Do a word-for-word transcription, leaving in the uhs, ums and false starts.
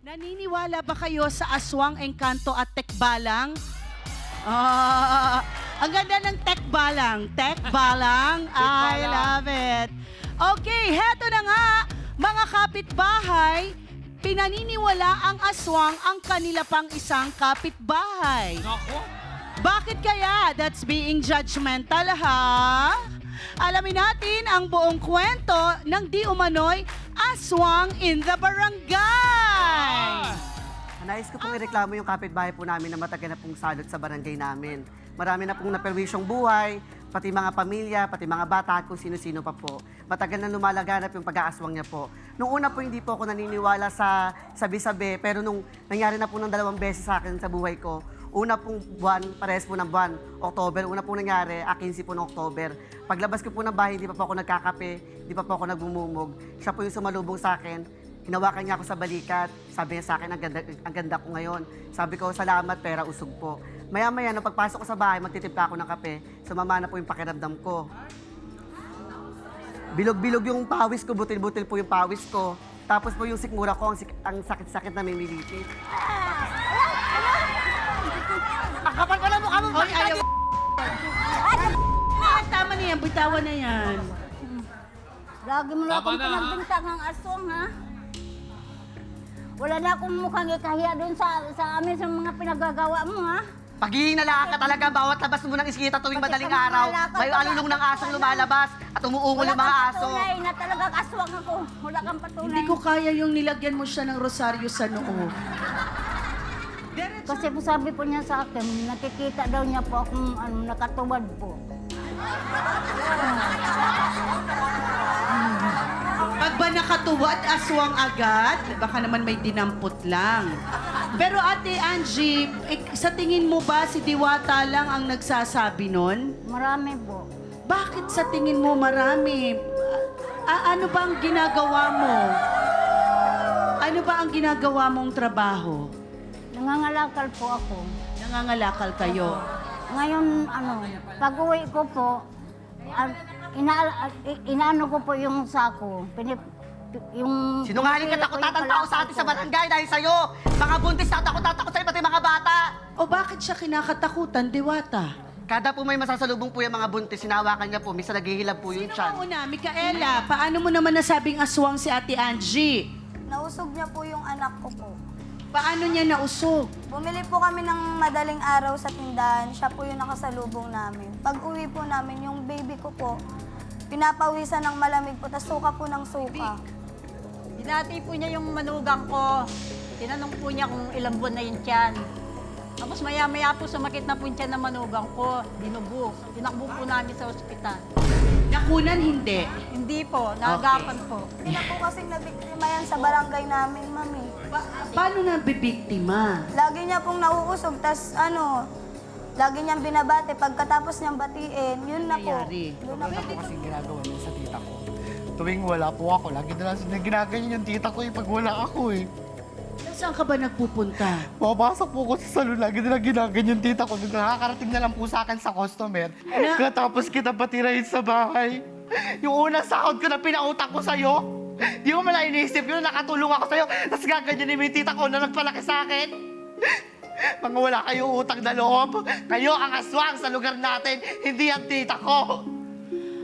Naniniwala ba kayo sa aswang, engkanto at tekbalang? Ah, ang ganda ng tekbalang. Tekbalang. I love it. Okay, heto na nga, mga kapitbahay, pinaniniwala ang aswang ang kanila pang isang kapitbahay. Nako. Bakit kaya? That's being judgmental, ha? Alamin natin ang buong kwento ng di umano'y aswang in the barangay. Nais ko pong ireklamo yung kapitbahay po namin na matagal na pong salot sa barangay namin. Marami na pong naperwisyong buhay, pati mga pamilya, pati mga bata at kung sino-sino pa po. Matagal na lumalaganap yung pag-aaswang niya po. Nung una po hindi po ako naniniwala sa sabi-sabi, pero nung nangyari na po ng dalawang beses sa akin sa buhay ko, una pong buwan, parehas po ng buwan, October, una pong nangyari, akinsi po ng October. Paglabas ko po ng bahay, hindi pa po ako nagkakape, hindi pa po ako nagmumumog. Siya po yung sumalubong sa akin, hinawakan niya ako sa balikat, sabi niya sa akin, ang ganda, ang ganda ko ngayon. Sabi ko, salamat, pera, usog po. Maya-maya, nung pagpasok ko sa bahay, magtitimpla ako ng kape, sumama na po yung pakiramdam ko. Bilog-bilog yung pawis ko, butil-butil po yung pawis ko. Tapos po yung sikmura ko, ang, sik- ang sakit-sakit na mimilipit. Ang kapal pala mukha mong Hoy, ayaw. Ah, tama na yan, bitawan na yan. Lagi mo na Tama akong na, ha? pinagbintang ang aswang, ha? Wala na akong mukhang ikahiya doon sa, sa amin sa mga pinagagawa mo, ha? Paghihinala ka talaga, bawat labas mo ng iskita tuwing Pati madaling sa mga araw, lakad, may wala alulong ng kang asong patunay. lumalabas at umuungol Wala yung mga kang aso. patunay na talagang aswang ako. Wala kang patunay. Hindi ko kaya yung nilagyan mo siya ng rosaryo sa noo. Kasi po sabi po niya sa akin, nakikita daw niya po akong ano, nakatuwad po. Pag ba nakatuwad, aswang agad, baka naman may dinampot lang. Pero Ate Angie, ik- sa tingin mo ba si Diwata lang ang nagsasabi nun? Marami po. Bakit sa tingin mo marami? A- ano ba ang ginagawa mo? Ano ba ang ginagawa mong trabaho? Nangangalakal po ako. Nangangalakal kayo. Ngayon, ano, pag uwi ko po, ah, ina, ah, i- inaano ko po yung sako. Pinip, yung... Sinungaling ka, pinipili ko takot-tatang yung tao sa atin sa palakal ko. barangay dahil sa'yo. Mga buntis na takot-tatakot sa'yo, pati mga bata. O bakit siya kinakatakutan, Diwata? Kada po may masasalubong po yung mga buntis, sinawakan niya po, minsan naghihilab po yung Sino tiyan. ang una? Mikaela, paano mo naman nasabing aswang si Ate Angie? Nausog niya po yung anak ko po. Paano niya nausog? Bumili po kami ng madaling araw sa tindahan. Siya po yung nakasalubong namin. Pag uwi po namin, yung baby ko po, pinapawisan ng malamig po, tas suka po ng suka. Binati po niya yung manugang ko. Tinanong po niya kung ilang buwan na yung tiyan. Tapos maya-maya po sumakit na po yung tiyan ng manugang ko. Dinubo. Tinakbo po namin sa ospital. Nakunan, hindi. Hindi po, naagapan po. Hindi na po kasing nabiktima yan sa barangay namin, mami. Pa- paano na bibiktima? Lagi niya pong nauusog, tas ano, lagi niyang binabate. Pagkatapos niyang batiin, yun na po. Nangyayari. Yun na Ano po. po kasing ginagawa niya sa tita ko? Tuwing wala po ako, lagi na lang na ginaganyan yung tita ko eh, pag wala ako eh. Saan ka ba nagpupunta? Pumapasok po ko sa salon, lagi na lang ginaganyan yung tita ko. Nakakarating na lang po sa akin sa customer. Ano? Katapos kita patirahin sa bahay. Yung unang sahod ko na pinautang ko sa'yo, di mo mala iniisip yun, nakatulong ako sa'yo, tapos gaganyan yung tita ko na nagpalaki sa akin. Mga wala kayong utang na loob. Kayo ang aswang sa lugar natin, hindi ang tita ko.